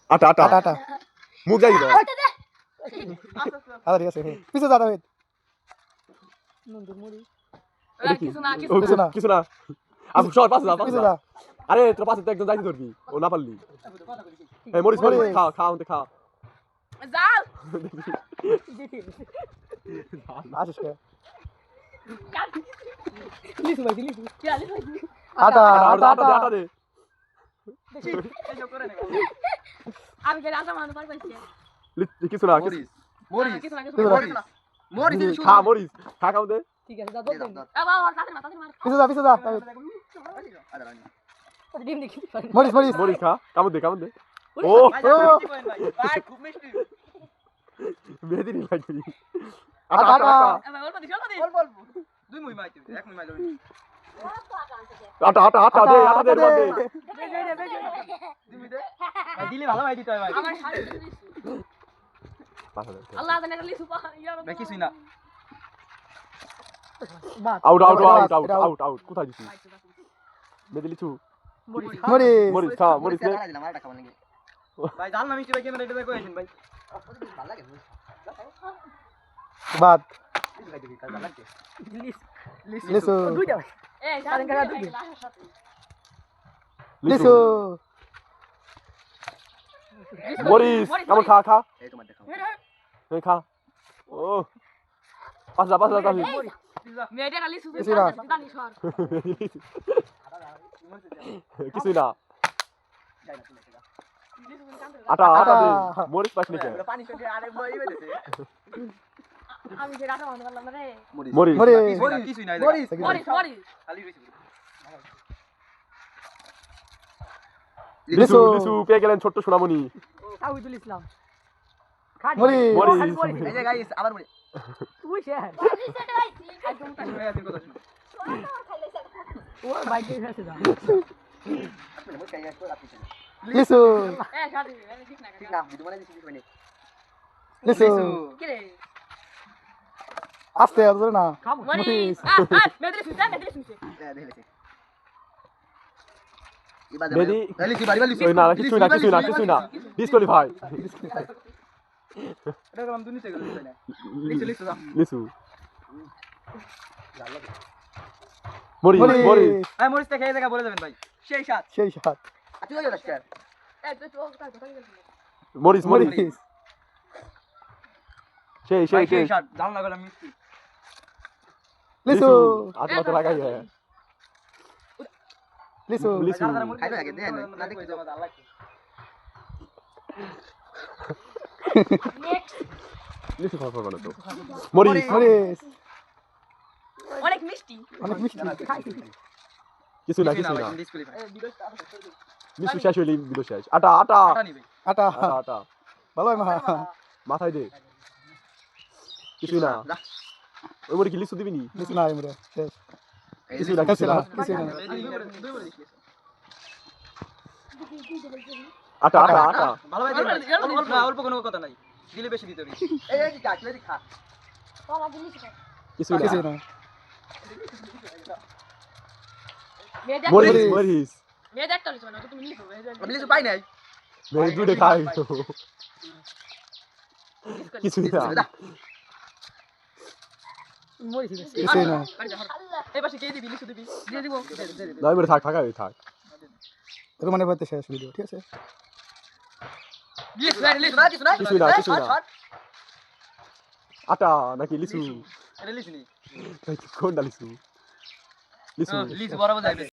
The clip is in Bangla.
আটা আটা আটা আটা মুখ যাই দাও আচ্ছা ঠিক আছে পিছে যা দাও কিছু কিছু না কিছু না আপু সর পাশে যা পাশে পিছে যা যা আরে তোর পাশে তো একদম যাইতে ধরবি ও না পারলি এই মরিস মরিস মরিস। খা খা আমাকে খা যাও আসিস কে আটা আটা আটা আটা আটা দে আমি কে রাজা মানুষ পাইছি কিছু না মরিস মরিস কিছু না কিছু মরিস। না মরিস খা মরিস খা খাও দে ঠিক আছে যা বল দেন আবার তাদের মার পিছে যা ডিম দেখি মরিস মরিস মরিস খা কামড় দে কামড় দে ও ভাই খুব মিষ্টি মেহেদি নি লাগবি আটা আটা এবার অল্প দিছ অল্প দিছ অল্প অল্প দুই মুই মাইতে এক মুই মাইলো আটা আটা আটা দে আটা দে দে দুই মুই দে ভাই দিলে ভালো ভাই দিতে হয় ভাই আমার শাড়ি আল্লাহ জানে লিসু পা ভাই কিছুই না আউট আউট এটা আউট out, আউট এটা out. আউট আউট কোথায় দিছিস মেহেদি লিচু মরিস মরিস খা মরিস দে ভাই জাল না মিষ্টি ভাই ক্যামেরা এটা দেখো আইছেন ভাই বাদ লিসু লিসু এই সারেন কাটা দুই লিসু মরিস কামড় খা খা এই তোমার দেখাও এই খা ও পাঁচ যা মেয়েটা খালি সুসু কিছু না। জানি সর কিছুই না আটা আটা দে মরিস পাস নি পানি করে আরে বই বেদেছে আমি যে রাজা মানুষ বললাম রে মরিস মরিস কিছুই নাই মরিস মরিস খালি রইছে লিচু লিচু পেয়ে গেলেন ছোট্ট সোনামণি তাওহিদুল ইসলাম মরিস মরিস এই যে গাইস আবার বলি তুই শেয়ার একদম তাই ভাই আপনি কথা শুনুন ও বাইকে এসে যা আপনি মই কাই আসো আপনি লিসু এ শাড়ি ঠিক না ঠিক না ভিডিও বানাই দিছি মানে লিসু কি রে আস্তে ধরে না মরিস মেদরি সুসা দেখলেছি ইবাদে মেহেদি লিসু বাড়ি বাড়ি ওই না কিছুই না ডিসকোয়ালিফাই এটা কাম দুনিতে গেল না লিসু লিসু লিচু মরিস মরিস ভাই মরিস থেকে এই জায়গা বলে যাবেন ভাই সেই সাত সেই সাত আচ্ছা যাও রাস্কার এ তুই তো কথা কথা গেল মরিস মরিস মরিস সেই সেই সেই সাত জাল না গেলাম মিষ্টি লিসু আত্মাতে লাগাই হ্যাঁ লিসু লিচু খাইলো আগে দেন না দেখি তো জাল লাগছে নেক্সট লিচু খাওয়া ভালো তো মরিস মরিস অনেক মিষ্টি অনেক মিষ্টি কিছু না ডিসকুয়ালিফাই লিচু শেষ হইলি ভিডিও শেষ আটা আটা আটা নিবে আটা আটা আটা ভালো মা মাথায় দে কিছুই না ওই মরি কি লিচু দিবি নি লিসু না আমরা শেষ কিছুই না কিছু কিছুই না না কিছু না আটা আটা আটা ভালো ভাই অল্প অল্প কোনো কথা নাই দিলে বেশি দিতে হবে এই কি কাটলে খা বাবা দিলি কি কিছুই কিছু না না মেয়ে মরিস মরিস। মরিস মেয়ে দেখতে লিসু না তুমি লিসু আমি লিসু পাই নাই মেরে দুধে খাই কিছুই না মরিস কিছু না এই পাশে কে দিবি লিসু দিবি দিয়ে দিব নয় মেরে থাক থাকা থাক তোর মানে বলতে শেষ ভিডিও ঠিক আছে লিসু লিসু না কিছু না কিছুই না কিছুই না আটা নাকি লিচু এটা লিসু নি কোনটা লিচু লিচু লিসু বরাবর যাইবে